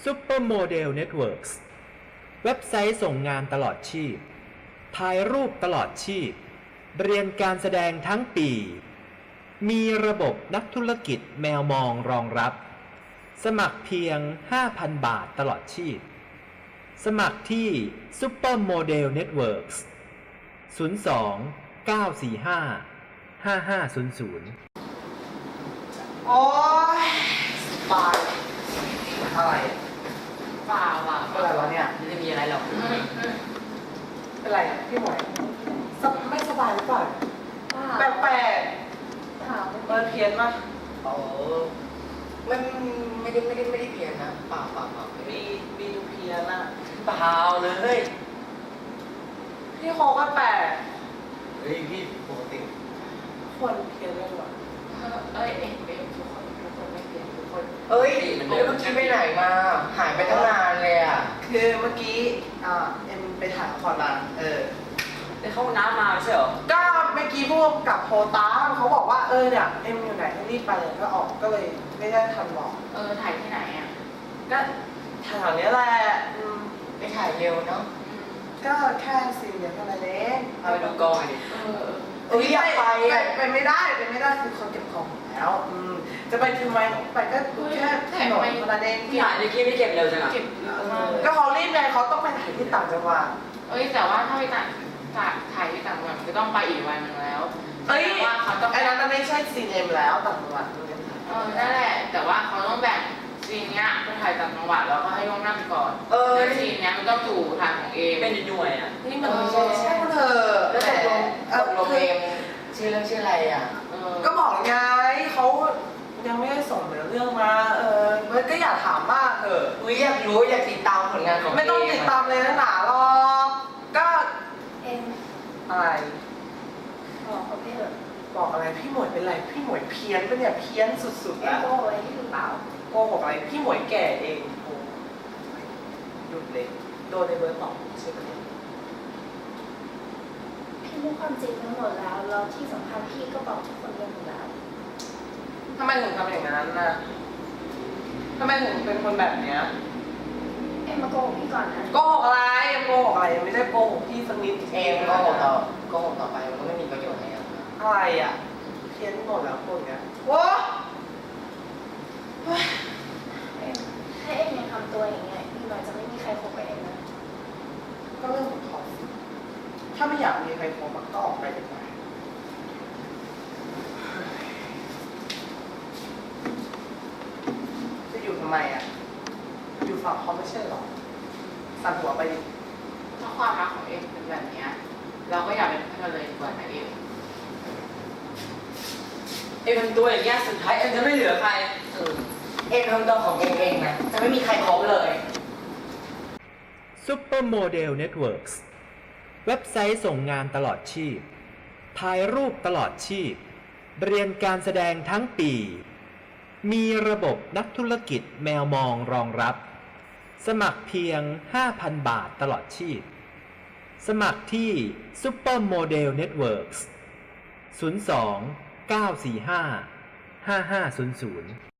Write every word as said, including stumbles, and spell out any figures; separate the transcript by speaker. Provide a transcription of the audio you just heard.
Speaker 1: Supermodel Networks เว็บไซต์ส่งงานตลอดชีพถ่ายรูปตลอดชีพเรียนการแสดงทั้งปีมีระบบนักธุรกิจแมวมองรองรับสมัครเพียง ห้าพัน บาทตลอดชีพสมัครที่ Supermodel Networks ศูนย์ สอง เก้า สี่ ห้า ห้า ห้า ศูนย์ ศูนย์
Speaker 2: โอ๊ยตายอะไร
Speaker 3: เปล่าอ่ะ
Speaker 2: อะไรวะเนี่ย
Speaker 3: ไม่ได้มีอะไรหรอก
Speaker 2: เป็นไรอ่ะพี่หมวยสบไม่สบายหรือเปล่าแปลกแปลก
Speaker 4: ถาม
Speaker 2: ๆเปิดเพี้ยนปะ
Speaker 3: โอ้มันไม่ได้ไม่ได้ไม่ได้เพี้ยนนะเปล่าเปล่าเปล่า
Speaker 2: มีมีดูเพี้ยนอ่ะ
Speaker 3: เปล่าเลย
Speaker 2: พี่โคก็แปลก
Speaker 3: เฮ้ยพี่ปกติ
Speaker 2: คนเพี้ยนเลยว่ะ
Speaker 4: เอ้ยเอ็มเอ็มทุกคนทุกคนไม่เปลี่ยนทุกคน
Speaker 3: เอ้ยเดี๋ยวเมื่อกี้ไปไหนมา หายไปตั้งนานเลยอ่ะ
Speaker 2: คือเมื่อกี้อ่าเอ็มไปถ่ายละครมาเออ
Speaker 3: ไปเข้าน้ำมาใช่เหรอ
Speaker 2: ก็เมื่อกี้พวกกับโพตามเขาบอกว่าเออเนี่ยเอ็มอยู่ไหนให้รีบไปเลยก็ออกก็เลยไม่ได้ทันบอก
Speaker 4: เออถ่ายที่ไหนอ่ะ
Speaker 2: ก็แถวๆนี้แหละอืม
Speaker 3: ไปถ่ายเร็วเนาะ
Speaker 2: ก็แค่ซีนเดียวเท่านั้นเอง
Speaker 3: เอาไปดูกองดิ
Speaker 4: เออ
Speaker 2: เอ้ยอยากไปไปไม่ได้ไปไม่ได้คือเขาเก็บของหมดแล้วอืมจะไปทำไมไปก็แค่ถนนเท่านั้นเอง
Speaker 3: พี่ถ่ายเมื่อกี้ไม่เก็บเร็วจังอ่ะ
Speaker 4: เก็บเยอะมาก
Speaker 2: ก็เขารีบไงเขาต้องไปถ่ายที่ต่างจังหวัด
Speaker 4: เอ้ยแต่ว่าถ้าไปต่างถ่ายถ่ายที่ต่างจังหวัดก็ต้องไปอีกวันหนึงแล้ว
Speaker 2: เอ้ย
Speaker 4: แต่ว่าเขาต้อง
Speaker 2: ไอ้นั้นมันไม่ใช่ซีนเอ็มแล้วต่างจังหวัด
Speaker 4: เออนั่นแหละแต่ว่าเขาต้องแบ่งซีนเนี้ยไปถ่ายต่างจังหวัดแล้วก็ให้ล่วงหน้าไปก่อน
Speaker 2: เออ
Speaker 4: แล้วซีนเนี้ยมันต้องอยู่ถ่ายของเอม
Speaker 3: เป็นหน่วยอ่ะ
Speaker 4: นี่
Speaker 2: เอ
Speaker 4: มัน
Speaker 2: อ
Speaker 4: ไม่
Speaker 2: ใช่
Speaker 4: ใช่
Speaker 2: ใช่เธอ
Speaker 3: แล้วตกลง
Speaker 2: เอ
Speaker 3: ต
Speaker 2: อก
Speaker 3: ลง
Speaker 2: คือ
Speaker 3: เองชื่อเรื่องชื่ออะไรอ่ะ
Speaker 4: เออ
Speaker 2: ก็บอกไงเขายังไม่ได้ส่งเนื้อเรื่องมาเออเบิร์ดก็อยากถามมากเถอะ
Speaker 3: อุ้ยอยากรู้อยากติดตามผลงานของ
Speaker 2: ไม่ต้องติดตามเลยนะหนาหรอกก็
Speaker 4: เอ็ม
Speaker 2: อะไร
Speaker 4: บอกเขาไปเถอะ
Speaker 2: บอกอะไรพี่หมวยเป็นไรพี่หมวยเพี้ยนปะเนี่ยเพี้ยนสุดๆ
Speaker 4: เอ็ม
Speaker 2: แล้ว
Speaker 4: โกหกอะไรที่หรือเปล่า
Speaker 2: โกหกอะไรพี่หมวยแก่เองโอ้หยุดเลยโดนในเบิร์ดบอกใช่ไหมเนี่ย
Speaker 5: พี่รู้ความจริงทั้งหมดแล้ว แล้วที่สำคัญพี่ก็บอกทุกคนไปหมดแล้ว
Speaker 2: ทำไมถึงทำอย่างนั้นน่ะทำไมถึงเป็นคนแบบเนี้ย
Speaker 5: เอ็มมาโกหกพี่ก่อนนะ
Speaker 2: โกหกอะไรโกหกอะไรยังไม่ได้โกหกพี่สักนิด
Speaker 3: เองก็หกต่อก็หกต่อไปมันก็ไม่มีประโยชน์แล้ว
Speaker 2: อะไรอ่ะเพี้ยนหมดแล้วพวกเนี้ยโว้
Speaker 5: เอ็มถ้าเอ็มยังทำตัวอย่างเงี้ยอีกหน่อยจะไม่มีใครคบกับเอ็มนะ
Speaker 2: ก็เรื่องของเขาสิถ้าไม่อยากมีใครคบก็ออกไปดีกว่าจะอยู่ทำไมอ่ะ อยู่ฝั่งเขาไม่ใช่หรอสั่นหัวไปดิ
Speaker 4: ถ้าความรักของเอ็มเป็นแบบเนี้ยเราก็อย่าเป็นเพื่อนเลยดีกว่านะเอ็ม
Speaker 3: เอ็มทำตัวอย่างเงี้ยสุดท้ายเอ็มจะไม่เหลือใครเออเอ็มทำตัวของเองเองนะจะไม่มีใครคบเลย
Speaker 1: Supermodel Networks เว็บไซต์ส่งงานตลอดชีพถ่ายรูปตลอดชีพเรียนการแสดงทั้งปีมีระบบนักธุรกิจแมวมองรองรับสมัครเพียง ห้าพัน บาทตลอดชีพสมัครที่ Supermodel Networks ศูนย์ สอง เก้า สี่ ห้า ห้า ห้า ศูนย์ ศูนย์